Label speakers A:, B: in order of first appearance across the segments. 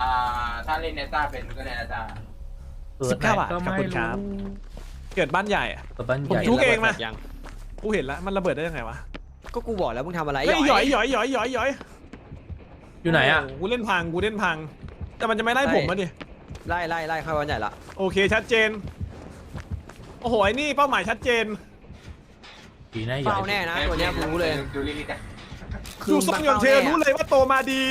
A: ถ้าเล่นเนต้าเป็นก็เล่นเนต้า
B: 19 บาทขอบคุณครับเกิดบ้านใหญ่ผมจุกเองมากูเห็นแล้วมันระเบิดได้ยังไงวะ
C: ก็กูบอกแล้วมึงทำอะไร
B: เฮ้ยหย่อย
D: อยู่ไหนอ่ะ
B: กูเล่นพังแต่มันจะไม่ไล่ผมมาดิ
C: ไล่เข้าบ้านใหญ่ละ
B: โอเคชัดเจนโอ้โหไอ้นี่เป้าหมายชัดเจน
D: ดีนะ
C: เฝ้าแน่นะตัวเนี้ยกูรู้เลย
A: ดูลิลิต
B: ดูทรงยนต์เชรู้เลยว่าโตมาดี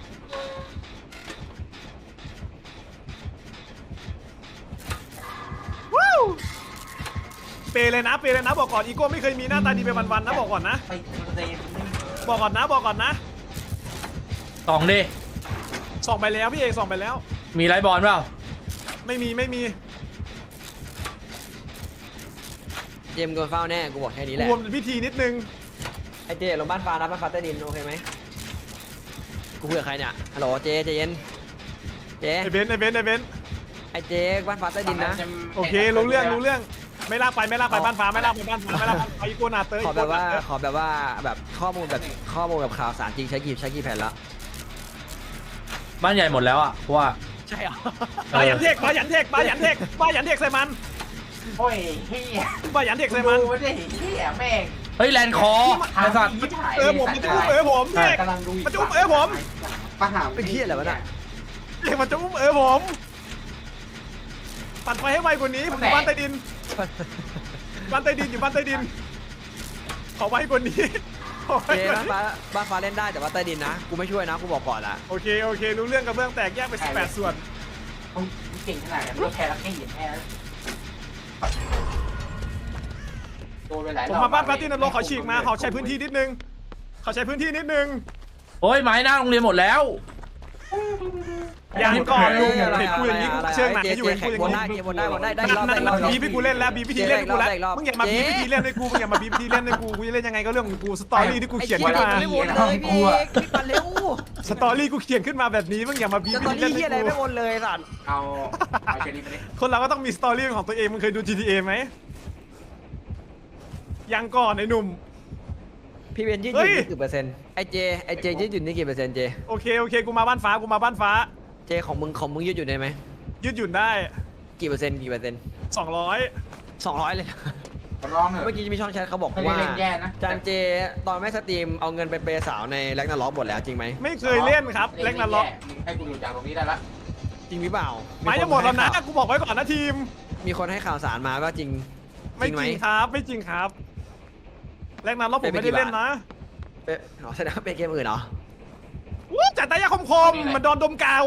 B: ว้าวเปเลยนะบอกก่อนอีโก้ไม่เคยมีหน้าตาดีไปวันๆนะบอกก่อนนะบอกก่อนนะ
D: ส่องดิ
B: ส่องไปแล้วพี่เอกส่องไปแล้ว
D: มีไลท์บอลเปล่า
B: ไม่มี
C: เจมโดนเฝ้าแน่กูบอกแค่นี้แหละ
B: รวมพิธีนิดนึง
C: ไอเจลงบ้านฟ้านะบ้านฟ้าใต้ดินโอเคไหมกูคุยกับใครเนี่ยฮัลโหลเจเย็นเจ
B: ไอเบน
C: ไอเจบ้านฟ้าใต้ดินนะ
B: โอเครู้เรื่องไม่ลากไปบ้านฟ้าไม่ลากไปอีโก้นาเตอร์
C: ขอแบบว่าแบบข้อมูลแบบข่าวสารจริงใช้กี่แผ่นละ
D: บ้านใหญ่หมดแล้วอ่ะเพราะว่า
C: ใช่เหรอ
B: ปายันเทกใส่มัน
A: โอ้ยเฮีย
B: ปายันเทกใส่มัน
A: ไม่ได้เฮียแม่ง
D: เฮ้ยแลนคอไอ้สัตว์
B: ผมมันจะอุ้มผมเทกมันจะอุ้มผม
A: ปัญหา
C: เป็นเฮียอะไรวะเนี่ย
B: เทกมันจะอุ้มผมปั่นไฟให้ไวกว่านี้ผมอยู่บ้านใต้ดินอยู่บ้านใต้ดินขอไวกว่านี้
C: เจบ้านฟ้าเล่นได้แต่ว่าใต้ดินนะกูไม่ช่วยนะกูบอกก่อนละ
B: โอเครู้เรื่องกับเบื้องแตกแยกไป18ส่วน
A: เก่งขนาดนั้นไม่แค่ละแค่เห็นแค่
B: ผมมาบ้านปาร์ตี้นรกเขาฉีกมาเขาใช้พื้นที่นิดนึง
D: โอ้ยไม้หน้าโรงเรียนหมดแล้ว
B: ยังก่อนลุงเห็นกูอย่างนี้เชื่อหนักอยู่เห็นกูอย่างนี้
C: วนได้รอบ
B: บีพี่กูเล่นแล้วบีพิธีเล่นกูแล้วมึงอย่ามาบีพิธีเล่นให้กูกูจะเล่นยังไงก็เรื่องของกูสตอรี่ที่กูเขียนขึ้นมา
C: ไม่วนเลยพี่ปั่นเร็ว
B: สตอรี่กูเขียนขึ้นมาแบบนี้มึงอย่ามาบีพิธีเล่น
C: ให้กูไม่วนเลยสัตว์
A: เอาเชอรี่ไปดิ
B: คนเราก็ต้องมีสตอรี่ของตัวเองมึงเคยดู GTA ไหมยังก่อนไอ้หนุ่ม
C: พี่เบนยืดหยุ่นนี่กี่เปอร์เซ็นต์ไอเจยืดหยุ่นนี่กี่เปอร์เซ็นต์เจ
B: โอเคกูมาบ้านฟ้า
C: เจของมึงยืดหยุ่นได้ไหม
B: ยืดหยุ่นได้
C: กี่เปอร์เซ็นต์200เลยเมื่อกี้มีช่องแชทเขาบอกว่าจานเจตอนไม่สตรีมเอาเงินไปเปย์สาวในแร็กนาล็อกหมดแล้วจริงไหม
B: ไม่เคยเล่นครับแร็กนาล็อก
A: ให้กูดูจากตรงนี้ได้ละ
C: จริงหรือเปล่า
B: ไม่จะหมดแล้วนะกูบอกไว้ก่อนนะทีม
C: มีคนให้ข่าวสารมาว่าจริง
B: ไม่จริงครับแร็กนาล็อกผมไม่ได้เล่นนะ
C: แสดงว่าเป็นเกมอื่นเหรอ
B: จัดตายาคมมันโดนดมกาว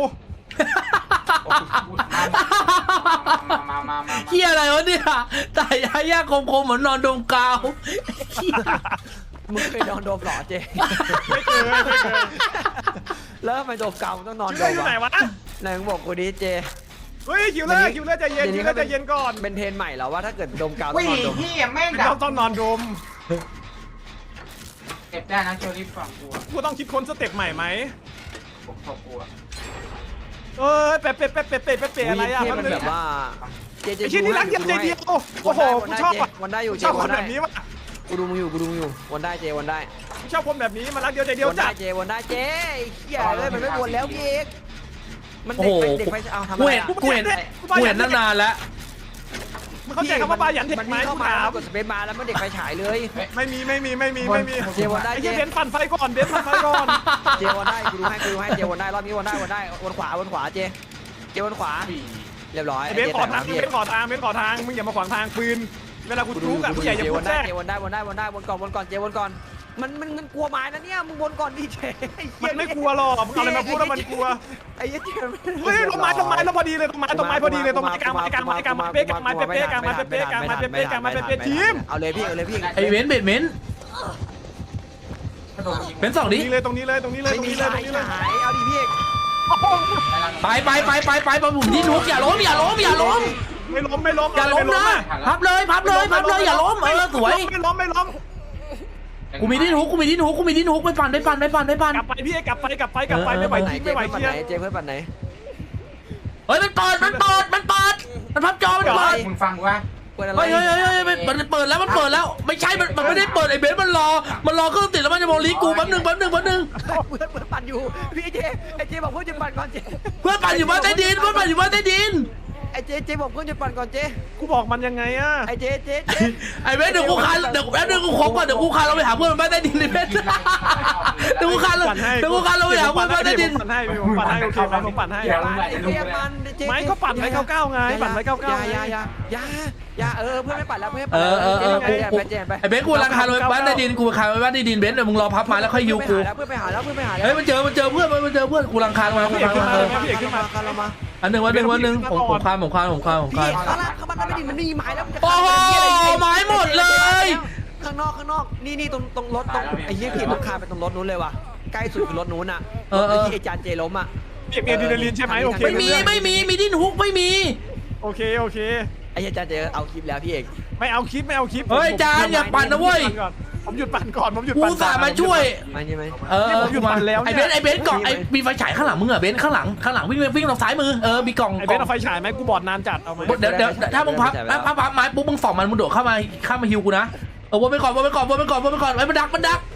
D: เฮียอะไรวะเนี่ยตายยากคมเหมือนนอนดมกาว
C: มึงเคยนอนดมหรอเจ
B: ไม่เคย
C: แล้วทำไมดมกาวต้องนอนดม
B: วะ
C: ไหนมึงบอกกูดิเจ
B: เฮ้ยคิวเลอร์ใจเย็นก่อน
C: เป็นเทรนใหม่แล้วว่าถ้าเกิดดมกาว
A: ต้องนอนดม
B: ต้องนอนดม
A: เก็บได้นะเชอรี่ฝั่ง
B: กูต้องคิดค้นสเต็ปใหม่ไหมเป๊ะอะไรอ่ะ
C: มันแบบว่า
B: ไอ้ชิ้นนี้รักเดียวใจเดียวโอ้โหกูชอบ
C: วันได้อยู่เจ
B: วันแบบนี้วะ
C: กูดูมึงอยู่วันได้เจวันได้
B: ชอบคนแบบนี้มันรักเดียวใจเดียวจ้ะ
C: วันได้เจเหี้ยเลยมันไม่วนแล้วพี่เอกมันเด็กไปเอาทำ
D: อะไรกูเห็นตั้งนานแล้ว
B: มันเข้าใจคำว่าบายันเทคไหม
C: กูถามกดสเปซบาร์แล้วมันเด็กไฟฉายเลย
B: ไม่มี
C: เจวันได้
B: เบนปั่นไฟก่อน
C: เจวันได้กูดูให้เจวันได้รอบนี้วันได้วนขวาเจวนขวาเรียบร้อย
B: เบนขอทางมึงอย่ามาขวางทางปืนเวลากูรู้กับผู้ใหญ่อย่าพูดแทรก
C: วนก่อนเจวนก่อนมันกลัวไม้นะเนี่ยมึงวนก่อนดิเจ
B: มันไม่กลัวหรอกมึงอะไรมาพูดแล้วมันกลัว
C: ไอ้เจ
B: เฮ้ยต้นไม้แล้วพอดีเลยต้นไม้พอดีเลยต้นไม้กลางเป๊ะทีม
C: เอาเลยพี่
D: ไอเว้นเบ็ดเม้นเป็นสองดิ
B: ตรงนี้เลย
C: เอาดิพี่
D: ไปผมที่นุกอย่าล้ม
B: ไม่ล้มอย่าล้ม
D: นะพับเลยอย่าล้มสวย
B: ไม่ล้ม
D: กูมีที่นุกไปปั่น
B: กลับไปพี่กลับไปไม่ไหวจริงไม่ไหว
C: เจเพื่อนปั่นไหน
D: เฮ้ยมันเปิดมันพับจอมันเปิด
A: มึงฟังว่า
C: เปิดอะไร
D: เฮ้ยมันเปิดแล้วไม่ใช่มันไม่ได้เปิดไอ้เบนซ์มันรอเครื่องติดแล้วมันจะมองลีกูแป๊บนึง
C: เพื่อนปั่นอยู่พี่เจไอเจบอกเพื่อนจะปั่นก่อนเจ
D: เพื่อนปั่นอยู่บ้านใต้ดิน
C: ไอเจบอกเพื่อนจะปั่นก่อนเจ
B: กูบอกมันยังไงอะ
C: ไอเจ
D: ไอ้เบนซ์เดี๋ยวกูคานเดี๋ยวแป๊บนึงกูขอก่อนเดี๋ยวกูคานเราไปหาเพื่อนบ้านใต้ดินเลยเบนซ์เดี๋ยวกูคานเราไปหาเพื่อนบ้านใต้ดิน
B: ผมปั่นให้โอเคไหมผมปั่นให้
C: เจมันเจ
B: ไม่ก็ปั่นไว้99ไงปั่นไว้99
C: อย่าเพื่อนไม่ปั่นแล้วเพื่อน เจไป
D: ไอ้เบนซ์กูรังคาเราไปบ้านใต้ดินกูคานไปบ้านใต้ดินเบนซ์เดี๋ยวมึงรอพับมาแล้วค่อยยูกู
C: เพื่อนไปหาแล้ว
D: เฮ้ยมันเจอเพื่อนกูรังคามา
B: พี่เอกขึ้นมา
C: เรามา
D: อันหนึ่งวันหนึ่งผมคาน
C: พี่ข้างล่างเขามันไม่ดีมันมีไม้แล้ว
D: โอ้โหไม้หมดเลย
C: ข้างนอกนี่ตรงรถตรงไอ้เหี้ยพี่ตรงคาไปตรงรถนู้นเลยว่ะใกล้สุดคือรถนู้นอ่ะที่ไอ้จานเจล้มอ่ะ
B: พี่เอกมีอะดรีนาลีนใช่ไหมโอเค
D: ไม่มีดิ้นฮุกไม่มี
B: โอเค
C: ไอ้จานเจเอาคลิปแล้วพี่เอก
B: ไม่เอาคลิป
D: เฮ้ยจานอย่าปั่นนะเว้ย
B: ผมหยุดปั่นก่อนผมหยุด
D: กู
B: ปั่น
D: สามาช่วย
C: ไม่ใช่ไหม
B: ผมหยุดปั่นแล้ว
D: ไอ้เบนซ์กล่องไอ้มีไฟฉายข้างหลังมึงเหรอเบนซ์ข้างหลังวิ่งทางซ้ายมือมีกล่อง
B: ไอ้เบนเอาไฟฉายไหมกูบอดนานจัดเอาไหม
D: เดี๋ยวถ้ามึงพับไม้ปุ๊บมึงส่องมันมึงโดดเข้ามาฮิวกูนะวนไปก่อนไว้มันดัก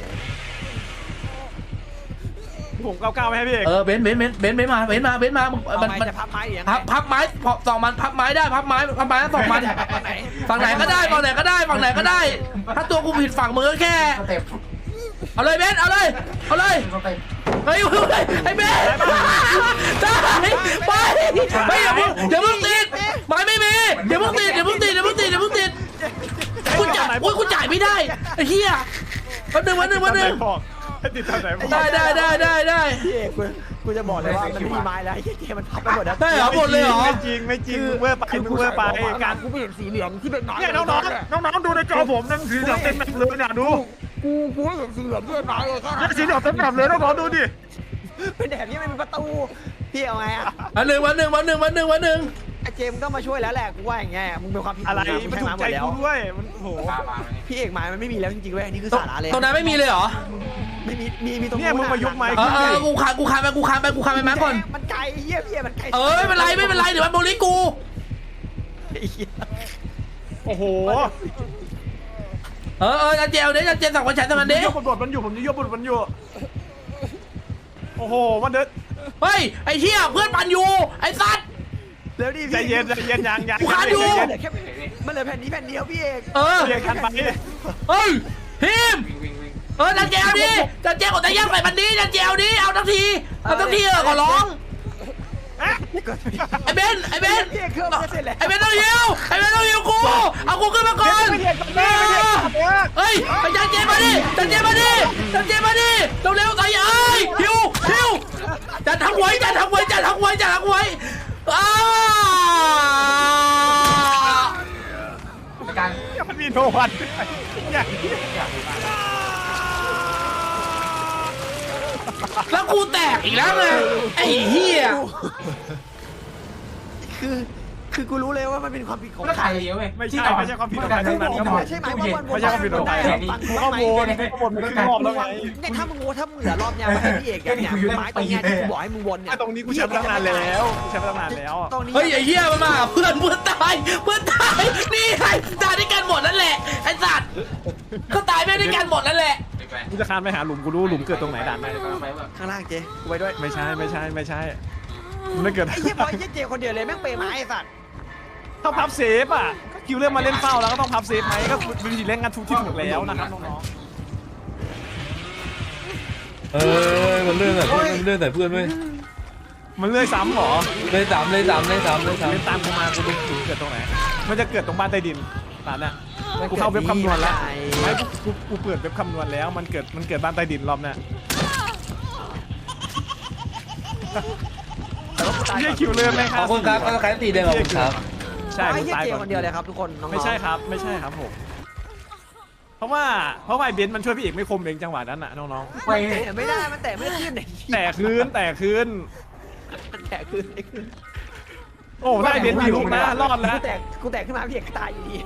B: ผม99ไว้ให้พี่เอก
D: เบนซ์มามัน
C: จะพับไม้อย่าง
D: พับไม้ส่องมันพับไม้ได้พับไม้ส่องมันฝั่งไหนก็ได้ถ้าตัวกูผิดฝั่งมึงก็แค่
A: สเต็ป
D: เอาเลยเบนซ์เอาเลย
A: สเต็ป
D: เฮ้ยไอ้เบนซ์ได้ไปอย่าเพิ่งติดไม้ไม่มีเดี๋ยวเพิ่งติดกูจ่ายไม่ได้ไอ้เหี้ยวันหนึ่ง
B: ติดตามไหน
D: ได้
C: พี่เอกกูจะบอกเลยว่ามันไม่มีไม้แล้วไอ้เจมันพับไปหมดแล้ว
D: ได้เหรอหมดเลยเหรอ
B: ไม่จริงมึงเวอร์ไปการ
C: กูไม่เห็นสีเหลืองที่เป็นไม้
B: เนี่ยน้องดูในจอผมนั่งสีเหลืองเต็มแบบเลยเนี่ยดู
C: กูไม่เห็นสีเหลืองที่เป็นไม้เลย
B: เนี่ยสีเหลืองเต็มแบบเลยน้องดูดิ
C: เป็นแบบนี้ไม่มีประตูพี่เอาไงอ่ะ
D: วันหนึ่ง
C: ไอ้เจมก็มาช่วยแล้วแหละกูว่าอย่างเงี้ยมึงเป็นความผิด
B: อะไรมันถูกใจกูด้วยมันโห
C: พี่เอกไม้มันไม่มีแล้วจริงๆเว้ยอันนี้คือสาระเลย
D: ตรงนั้นไม่มีเลยเหรอ
C: ไม่มีตรง
B: เนี่ยมึงมายกไม้
D: กูคานไปมาก่อน
C: มันไกลเฮียพี่มันไกล
D: ไม่เป็นไรเดี๋ยวมันโบลิกู
B: โอ้โห
D: จันเจลสั่งวันฉายสมันเด้
B: ยกบทมันอยู่ผมจะยกบทมันอยู่โอ้โหมันเดิน
D: เฮ้ยไอ้เหี้ยเพื่อนปั่นอยู่ไอ้สัตว์
C: เร็วดิ
B: ใจเย็นยัง
D: กูขาดอยู่
C: มันเหลือแผ่นนี้แผ่นเดียวพี่เอก
B: เรียกคันไป
D: เฮ้ยทีม
A: วิ่ง
D: จันเจลดิจันเจลของตะย่างใส่มันดีจันเจลดิเอาทั้งทีขอร้องไอ้เบน
C: พี่เอกเครื่องมันเสร็จแล้ว
D: ไอ้เบนต้องฮิวกูเอากูขึ้นมาก่อนเฮ้ยไอ้จันเจมาดิเร็วๆใส่ฮิวจันทั้งไว้
A: การ
B: มันมีโนวันอย่าง
D: แล้วกูแตกอีกแล้วไงไอ้เหี้ย
C: คือกูรู้เลยว่ามันเป็นความผิดของ
A: ก็ถ่ายเยอะเว้ย
B: ไม่ใช่ความผิดของใครทั้งนั้นครับผม
C: ใช่ไหม
B: ไม่ใช่ความผิดของใครกูก็โวนมันก็รอบแล้วไง
C: เนี่ยถ้ามึงเหลือรอบเนี้ยมาให้พี่เอกเนี่ยไม้ตรงเนี้ยที่กูบอกให้มึงวนเนี่ย
B: ตรงนี้กูใช้มาตั้งนานแล้ว
C: ตรงนี้
D: เฮ้ยไอ้เหี้ยมันมาเพื่อนตายนี่ไงตายด้วยกันหมดนั่นแหละไอ้สัตว์ก็ตายไปด้วยกันหมดนั่นแหละ
B: กูจะคานไปหาหลุมกูรู้หลุมเกิดตรงไหนด่านไหน
C: ข้างล่างเจกูไปด้วย
B: ไม่ใช่มันไม่เกิด
C: ไอ้เหี้ยบอยเจคนเดียวเลยแม่งเปย์ไม้ไอ้สัตว์
B: ต้องพับเซฟอ่ะคิวเล่นมาเล่นเฝ้าแล้วก็ต้องพับเซฟไหมก็วิธีเล่นงานทุกที่ถูกแล้วนะครับน้องๆ
E: มันเลื่อนใส่เพื่อนไหม
B: มันเลื่อยซ้ำหรอ
E: เลยสาม
B: เล่นตามกูมากูดูหลุมเกิดตรงไหนมันจะเกิดตรงบ้านใต้ดินตอนเนี้ยกูเข้าเว็บคำนวณแล้วไม่กูเปิดเว็บคำนวณแล้วมันเกิดบ้านใต้ดินรอบเนี้ยไม่คิวเลื่อนไหมค
E: ข
B: รั
E: อ
B: บบ
E: คุณครับเอาใครตีเดียวขอบคุณครับ
B: ใช่
C: ไอ้
B: กู
C: เหี้ย
B: ตาย
C: เจ
B: ก่อน
C: คนเดียวเลยครับทุกคนน้องๆ
B: ไม่ใช่ครับผมเพราะว่าไอ้เบนซ์มันช่วยพี่เอกไม่คมเองจังหวะนั้นน่ะน้อง
A: ไป
C: แต่ไม่ได้มันแต่ไม่ขึ้น
B: ๆแต่คืน
C: แต่ขึ้น
B: โอ้ได้เบนซ์มีลูกนะรอดแล้ว
C: กูแตกขึ้นมาพี่เอกตายอยู่ดี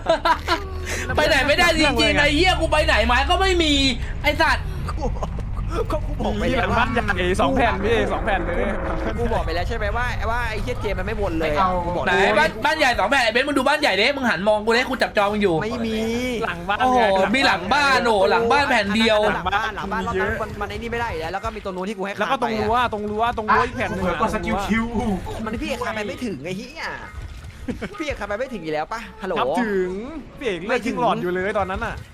D: ไปไหนไม่ได้จริงๆไอ้เหี้ยกูไปไหนไม้ก็ไม่มีไอ้สัตว์
C: ก็กูบอกไป
B: มีห
C: แล้
B: ลั
C: ว
B: งบ้านใหญ่2 แผ่นพี่2 แผ่นเลย
C: กูบอกไปแล้วใช่ไหมว่าไอ้เหี้ยเจมันไม่วนเลยกูบอก
D: ไหนบ้านใหญ่2 แบบไอ้เบนซ์มึงดูบ้านใหญ่ดิมึงหันมองกูดิกูจับจองมึงอยู่
C: ไม่มี
B: หลังบ้าน
D: โอ้โหมีหลังบ้านโอ้หลังบ้านแผ่นเดียว
C: หลังบ้านรอบนั้นมันไอ้นี่ไม่ได้อยู่แล้วก็มีตัวนู้นที่กูให้
B: แล้วก็ตรงรั้วอีกแผ่นนึง
A: เผื่อก็สกิลคิว
C: มันพี่เอกคาไปไม่ถึงไอ้เหี้ยพี่เอกคาไปไม่ถึงอยู่แล้วป่ะฮัลโหล
B: ครับถึงพี่เอกเลือดทิ้งหลอดอยู่เลยตอนนั้นน่ะ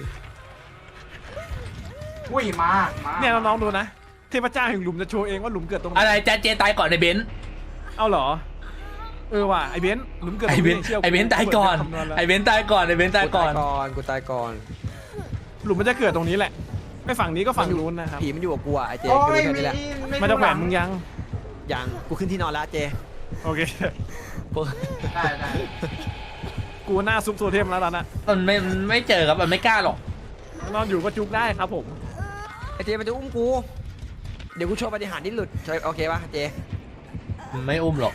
A: อุ้ยมา
B: เนี่ยน้องๆดูนะเทพเจ้าแห่งหลุมจะโชว์เองว่าหลุมเกิดตรงไหน
D: อะไรแจ๊ดเจตายก่อนไอ้เบนซ์
B: เอาเหรอว่ะไอเบนซ์หลุมเกิด
D: ไอ้เบนซ์ไอ้เบนซ์ตายก่อนไอ้เบนซ์ตายก่อนไอ้เบนซ์ตายก่อน
C: กูตายก่อน
B: หลุมมันจะเกิดตรงนี้แหละไม่ฝั่งนี้ก็ฝั่งนู้นนะครับ
C: ผีมันอยู่กับกูอ่ะไอ้เจ
A: โอ้
C: กู
A: ย
C: แค่นี้แหละ
B: มันจะแขวนมึงยัง
C: ยังกูขึ้นที่นอนแล้วเจ
B: โอเค
A: ได้
B: กูหน้าซุปโซเทมแล้วตอนนั้น
D: มันไม่เจอครับมันไม่กล้าหรอก
B: นอนอยู่ก็จุกได้ครับผม
C: ไอ้เจมันจะอุ้มกูเดี๋ยวกูโชว์ปฏิหารที่หลุดโอเคป่ะเจ
D: ไม่อุ้มหรอก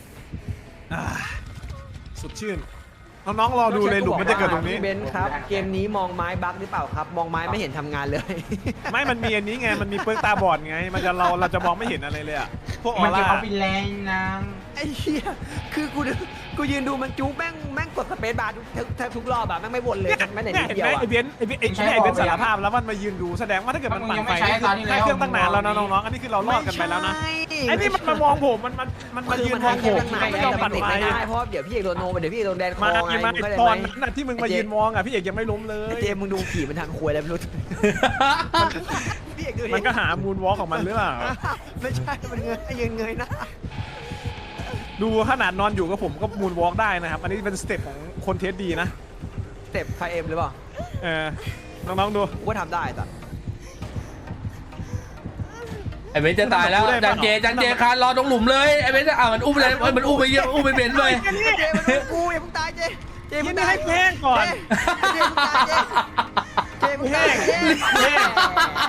B: สดชื่นน้องๆรอดูเลยหลุมมันจะเกิดตรงนี้
C: เบนซ์ครับเกมนี้มองไม้บั๊กหรือเปล่าครับมองไม้ไม่เห็นทำงานเลย
B: ไม่มันมีอันนี้ไงมันมีเปิร์กตาบอดไงมันจะเราจะมองไม่เห็นอะไรเลยอะพวกอ
A: มั
B: อน
A: จะ
B: ร่า
A: เอาไปแรงนาง
C: ไอ้เหี้ยคือกูยืนดูมันจุ๊บแม่งกดสเปซบาร์ทุกรอบอะแม่งไม่วนเลยแม่งไหน
B: เนี่ย
C: นิด
B: เห็น
C: เดีย
B: ไหม
C: วอะ
B: ไอเบนซ์ไอเบนซ์สารภาพแล้วมันมายืนดูแสดงว่าถ้าเกิดมันปั่นไฟแค่เครื่องตั้งนานแล้วนะน้องๆอันนี้คือเรารอดกันไปแล้วนะไอ้นี่มันมามองผมมันมายืนมองผมมันไม่ยอมปั่นไฟ
C: ไม่ได้เพราะเดี๋ยวพี่เอกโดนโนเดี๋ยวพี่เอกโดนแดนคอ
B: มา
C: ไง
B: มา
C: มึงเข้าใจ
B: ตอน
C: ไหม
B: นั้นที่มึงมายืนมองอ่ะพี่เอกยังไม่ล้มเลย
C: ไอ้เจมึงดูผีมันทางควยอะไรไม่รู้พี่เอกดูดิ
B: มันก็หามูนวอล์กของมันหรือเปล่า
C: ไม่ใช่มันเงยนะ
B: ดูขนาดนอนอยู่กับผมก็มูนวอล์กได้นะครับอันนี้เป็นสเต็ปของคนเทสดีนะ
C: เต็ปไฟเอ็มหรือเปล่า
B: น้องๆดู
C: กูก็ทำได้แต่
D: ไอ้เบนซ์จะตายแล้วจันเจคานรอตรงหลุมเลยไอ้เบนซ์มันอุ้มเลยมันอุ้มไปเยอะอุ้มไปเบนซ์เลย
C: เจมันกูอย่าเพิ่งตายเจ
B: กิ
C: มึ
B: น
C: งตาย
B: ให้แห้งก่อน
C: เจมึงตายเจ
B: แห้ง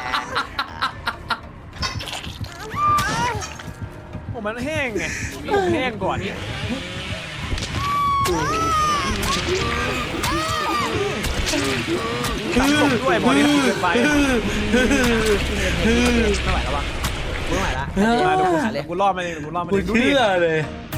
B: ผมมันแห้งไงผมแห้งก่อนตัดผมด้วยบอดี้เกินไป
C: ไม่ไหวแล้ววะไม่ไหวละ
B: มาดูกูรอดมาเองกูรอดมา
D: กู
B: เองดูดิ
D: เชื่อเลย